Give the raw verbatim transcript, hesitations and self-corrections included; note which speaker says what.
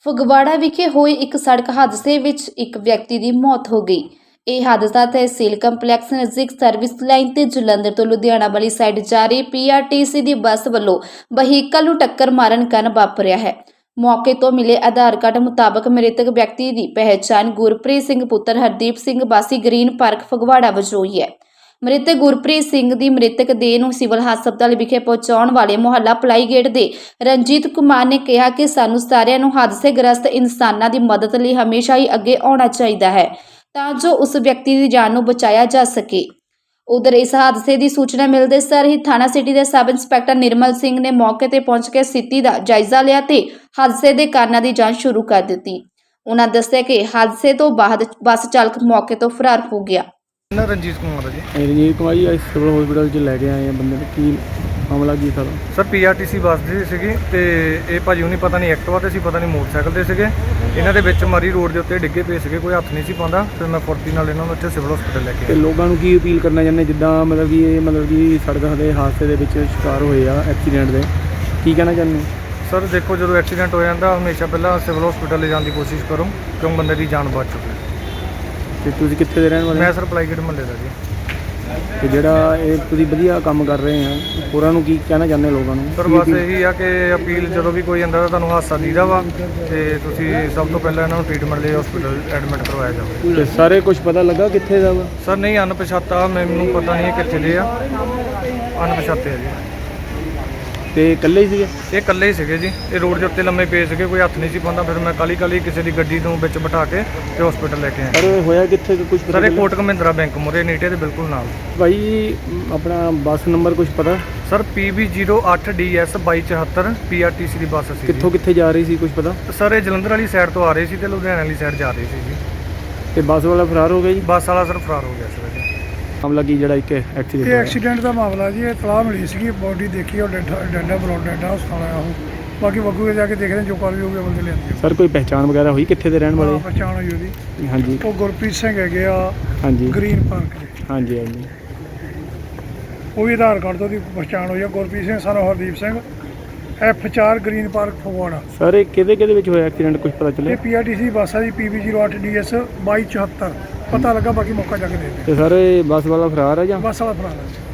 Speaker 1: ਫਗਵਾੜਾ ਵਿਖੇ ਹੋਏ ਇੱਕ ਸੜਕ ਹਾਦਸੇ ਵਿੱਚ ਇੱਕ ਵਿਅਕਤੀ ਦੀ ਮੌਤ ਹੋ ਗਈ। ਇਹ ਹਾਦਸਾ ਤਹਿਸੀਲ ਕੰਪਲੈਕਸ ਨਜ਼ਦੀਕ ਸਰਵਿਸ ਲਾਈਨ ਤੇ ਜਲੰਧਰ ਤੋਂ ਲੁਧਿਆਣਾ ਵਾਲੀ ਸਾਈਡ ਜਾ ਰਹੀ ਪੀ ਆਰ ਟੀ ਸੀ ਦੀ ਬੱਸ ਵੱਲੋਂ ਵਹੀਕਲ ਨੂੰ ਟੱਕਰ ਮਾਰਨ ਕਾਰਨ ਵਾਪਰਿਆ ਹੈ। ਮੌਕੇ ਤੋਂ ਮਿਲੇ ਆਧਾਰ ਕਾਰਡ ਮੁਤਾਬਕ ਮ੍ਰਿਤਕ ਵਿਅਕਤੀ ਦੀ ਪਹਿਚਾਣ ਗੁਰਪ੍ਰੀਤ ਸਿੰਘ ਪੁੱਤਰ ਹਰਦੀਪ ਸਿੰਘ ਵਾਸੀ ਗ੍ਰੀਨ ਪਾਰਕ ਫਗਵਾੜਾ ਵਜੋਂ ਹੋਈ ਹੈ। ਮ੍ਰਿਤਕ ਗੁਰਪ੍ਰੀਤ ਸਿੰਘ ਦੀ ਮ੍ਰਿਤਕ ਦੇਹ ਨੂੰ ਸਿਵਲ ਹਸਪਤਾਲ ਵਿਖੇ ਪਹੁੰਚਾਉਣ ਵਾਲੇ ਮੁਹੱਲਾ ਪਲਾਈ ਗੇਟ ਦੇ ਰਣਜੀਤ ਕੁਮਾਰ ਨੇ ਕਿਹਾ ਕਿ ਸਾਨੂੰ ਸਾਰਿਆਂ ਨੂੰ ਹਾਦਸੇ-ਗ੍ਰਸਤ ਇਨਸਾਨਾਂ ਦੀ ਮਦਦ ਲਈ ਹਮੇਸ਼ਾ ਹੀ ਅੱਗੇ ਆਉਣਾ ਚਾਹੀਦਾ ਹੈ ਤਾਂ ਜੋ ਉਸ ਵਿਅਕਤੀ ਦੀ ਜਾਨ ਨੂੰ ਬਚਾਇਆ ਜਾ ਸਕੇ। ਉਧਰ ਇਸ ਹਾਦਸੇ ਦੀ ਸੂਚਨਾ ਮਿਲਦੇ ਸਾਰ ਹੀ ਥਾਣਾ ਸਿਟੀ ਦੇ ਸਬ ਇੰਸਪੈਕਟਰ ਨਿਰਮਲ ਸਿੰਘ ਨੇ ਮੌਕੇ ਤੇ ਪਹੁੰਚ ਕੇ ਸਥਿਤੀ ਦਾ ਜਾਇਜ਼ਾ ਲਿਆ ਤੇ ਹਾਦਸੇ ਦੇ ਕਾਰਨਾਂ ਦੀ ਜਾਂਚ ਸ਼ੁਰੂ ਕਰ ਦਿੱਤੀ। ਉਹਨਾਂ ਦੱਸਿਆ ਕਿ ਹਾਦਸੇ ਤੋਂ ਬਾਅਦ ਬੱਸ ਚਾਲਕ ਮੌਕੇ ਤੋਂ ਫਰਾਰ ਹੋ ਗਿਆ।
Speaker 2: ਨਾ ਰਣਜੀਤ ਕੁਮਾਰ ਜੀ
Speaker 3: ਰਣਜੀਤ ਕੁਮਾਰ ਜੀ ਸਿਵਲ ਹਸਪੀਟਲ 'ਚ ਲੈ ਕੇ ਆਏ ਆ ਬੰਦੇ ਨੂੰ। ਕੀ ਮਾਮਲਾ ਕੀ sir?
Speaker 2: Sir P R T C bus ਦੀ ਸੀਗੀ ਤੇ ਇਹ ਭਾਜੀ ਹੁਣੀ ਪਤਾ ਨਹੀਂ ਐਕਟਿਵਾ ਤੇ ਸੀ, ਪਤਾ ਨਹੀਂ ਮੋਟਰਸਾਈਕਲ ਤੇ ਸੀਗੇ। ਇਹਨਾਂ ਦੇ ਵਿੱਚ ਮਾਰੀ ਰੋਡ ਦੇ ਉੱਤੇ ਡਿੱਗੇ ਪਏ ਸੀਗੇ, ਕੋਈ ਹੱਥ ਨਹੀਂ ਸੀ ਪਾਉਂਦਾ। ਫਿਰ ਮੈਂ ਫੁਰਤੀ ਨਾਲ ਇਹਨਾਂ ਨੂੰ ਇੱਥੇ ਸਿਵਲ ਹਸਪੀਟਲ ਲੈ ਕੇ
Speaker 3: ਤੇ
Speaker 2: ਆਇਆ।
Speaker 3: ਲੋਕਾਂ ਨੂੰ ਕੀ ਅਪੀਲ ਕਰਨਾ ਚਾਹੁੰਦੇ ਜਿੱਦਾਂ ਮਤਲਬ ਕਿ ਇਹ ਮਤਲਬ ਕਿ ਸੜਕ ਦੇ ਹਾਦਸੇ ਦੇ ਵਿੱਚ ਸ਼ਿਕਾਰ ਹੋਏ ਆ ਐਕਸੀਡੈਂਟ ਦੇ, ਕੀ ਕਹਿਣਾ ਚਾਹੁੰਦੇ?
Speaker 2: ਸਰ ਦੇਖੋ, ਜਦੋਂ ਐਕਸੀਡੈਂਟ ਹੋ ਜਾਂਦਾ ਹਮੇਸ਼ਾ ਪਹਿਲਾਂ ਸਿਵਲ ਹਸਪੀਟਲ ਲੈ ਜਾਣ ਦੀ ਕੋਸ਼ਿਸ਼ ਕਰੋ ਕਿਉਂ ਬੰਦੇ ਦੀ ਜਾਨ ਬਚ ਚੁੱਕੀ।
Speaker 3: ਤੇ ਤੁਸੀਂ ਕਿੱਥੇ ਦੇ ਰਹਿਣ ਵਾਲੇ?
Speaker 2: ਮੈਂ ਸਰ ਪਲਾਈਗੇਟ ਮੁਹੱਲੇ ਦਾ ਜੀ।
Speaker 3: ਤੇ ਜਿਹੜਾ ਇਹ ਤੁਸੀਂ ਵਧੀਆ ਕੰਮ ਕਰ ਰਹੇ ਆ ਹੋਰਾਂ ਨੂੰ ਕੀ ਕਹਿਣਾ ਚਾਹੁੰਦੇ ਲੋਕਾਂ ਨੂੰ?
Speaker 2: ਸਰ ਬਸ ਇਹੀ ਆ ਕਿ ਅਪੀਲ ਜਦੋਂ ਵੀ ਕੋਈ ਆਉਂਦਾ ਤਾਂ ਤੁਹਾਨੂੰ ਹਾਦਸਾ ਦੀਦਾ ਵਾ ਤੇ ਤੁਸੀਂ ਸਭ ਤੋਂ ਪਹਿਲਾਂ ਇਹਨਾਂ ਨੂੰ ਟ੍ਰੀਟਮੈਂਟ ਲਈ ਹਸਪੀਟਲ ਐਡਮਿਟ ਕਰਵਾਇਆ ਜਾਵੇ।
Speaker 3: ਤੇ ਸਾਰੇ ਕੁਝ ਪਤਾ ਲੱਗਾ ਕਿੱਥੇ ਦਾ ਵਾ?
Speaker 2: ਸਰ ਨਹੀਂ, ਅਣਪਛਾਤਾ, ਮੈਨੂੰ ਪਤਾ ਨਹੀਂ ਕਿੱਥੇ ਦੇ ਆ, ਅਣਪਛਾਤੇ ਆ ਜੀ।
Speaker 3: ਤੇ ਇਕੱਲੇ ਹੀ ਸੀਗੇ?
Speaker 2: ਇਹ ਇਕੱਲੇ ਹੀ ਸੀਗੇ ਜੀ। ਇਹ ਰੋਡ ਦੇ ਉੱਤੇ ਲੰਮੇ ਪਏ ਸੀਗੇ, ਕੋਈ ਹੱਥ ਨਹੀਂ ਸੀ ਪਾਉਂਦਾ। ਫਿਰ ਮੈਂ ਕਾਲੀ ਕਾਲੀ ਕਿਸੇ ਦੀ ਗੱਡੀ ਨੂੰ ਵਿੱਚ ਬਿਠਾ ਕੇ ਤੇ ਹਸਪੀਟਲ ਲੈ ਕੇ ਆਇਆ।
Speaker 3: ਪਰ ਹੋਇਆ ਕਿੱਥੇ ਕੁਝ ਪਤਾ?
Speaker 2: ਸਰ ਇਹ ਕੋਟਕ ਮਹਿੰਦਰਾ ਬੈਂਕ ਮੁਰੇ ਨੀਟੇ ਦੇ ਬਿਲਕੁਲ ਨਾਲ।
Speaker 3: ਭਾਈ ਆਪਣਾ ਬੱਸ ਨੰਬਰ ਕੁਝ ਪਤਾ?
Speaker 2: ਸਰ ਪੀ ਬੀ ਜ਼ੀਰੋ ਅੱਠ ਡੀ ਐਸ ਬਾਈ ਚੁਹੱਤਰ ਪੀ ਆਰ ਟੀ ਸੀ ਦੀ ਬੱਸ ਸੀ।
Speaker 3: ਕਿੱਥੋਂ ਕਿੱਥੇ ਜਾ ਰਹੀ ਸੀ ਕੁਝ ਪਤਾ?
Speaker 2: ਸਰ ਇਹ ਜਲੰਧਰ ਵਾਲੀ ਸਾਈਡ ਤੋਂ ਆ ਰਹੇ ਸੀ ਤੇ ਲੁਧਿਆਣਾ ਵਾਲੀ ਸਾਈਡ ਜਾ ਰਹੇ ਸੀ ਜੀ।
Speaker 3: ਤੇ ਬੱਸ ਵਾਲਾ ਫਰਾਰ ਹੋ ਗਿਆ ਜੀ?
Speaker 2: ਬੱਸ ਵਾਲਾ ਸਰ ਫਰਾਰ ਹੋ ਗਿਆ ਸਰ ਜੀ।
Speaker 3: ਮਾਮਲਾ ਕੀ ਜਿਹੜਾ ਇੱਕ ਐਕਸੀਡੈਂਟ
Speaker 4: ਇਹ ਐਕਸੀਡੈਂਟ ਦਾ ਮਾਮਲਾ ਜੀ। ਇਹ ਤਲਾਹ ਮਿਲੀ ਸੀਗੀ, ਬੋਡੀ ਦੇਖੀ ਉਹ ਡੈਡਾ ਡੈਡਾ ਬਰੋਡ ਡੈਡਾ ਹਸਪਤਾਲ ਆਇਆ ਉਹ। ਬਾਕੀ ਬੱਗੂ ਜਾ ਕੇ ਦੇਖਦੇ ਹਾਂ ਜੋ ਕਾਰਵਾਈ ਹੋਊਗੀ ਬੰਦੇ ਲਿਆਂਦੇ।
Speaker 3: ਸਰ ਕੋਈ ਪਹਿਚਾਣ ਵਗੈਰਾ ਹੋਈ ਕਿੱਥੇ ਦੇ ਰਹਿਣ ਵਾਲੇ?
Speaker 4: ਪਛਾਣ ਹੋਈ ਉਹਦੀ।
Speaker 3: ਹਾਂਜੀ
Speaker 4: ਉਹ ਗੁਰਪ੍ਰੀਤ ਸਿੰਘ ਹੈਗੇ ਆ
Speaker 3: ਹਾਂਜੀ
Speaker 4: ਗ੍ਰੀਨ ਪਾਰਕ ਦੇ।
Speaker 3: ਹਾਂਜੀ ਹਾਂਜੀ
Speaker 4: ਉਹ ਵੀ ਆਧਾਰ ਕਾਰਡ ਤੋਂ ਉਹਦੀ ਪਛਾਣ ਹੋਈ ਆ। ਗੁਰਪ੍ਰੀਤ ਸਿੰਘ ਸਾਨੂੰ ਹਰਦੀਪ ਸਿੰਘ ਐਫ ਚਾਰ ਗ੍ਰੀਨ ਪਾਰਕ ਫਗਵਾੜਾ।
Speaker 3: ਸਰ ਇਹ ਕਿਹਦੇ ਕਿਹਦੇ ਵਿੱਚ ਹੋਇਆ ਐਕਸੀਡੈਂਟ ਕੁਝ ਪਤਾ
Speaker 4: ਇਹ
Speaker 3: ਚੱਲਿਆ?
Speaker 4: ਪੀ ਆਰ ਟੀ ਸੀ ਬੱਸ ਆ ਜੀ, ਪੀ ਬੀ ਜ਼ੀਰੋ ਅੱਠ ਡੀ ਐਸ ਬਾਈ ਚੁਹੱਤਰ। ਪਤਾ ਲੱਗਾ, ਬਾਕੀ ਮੌਕਾ ਜਾ ਕੇ ਦੇ ਦੇ।
Speaker 3: ਤੇ ਸਰ ਇਹ ਬੱਸ ਵਾਲਾ ਫਰਾਰ ਹੈ ਜਾਂ?
Speaker 4: ਬੱਸ ਵਾਲਾ ਫਰਾਰ ਹੈ।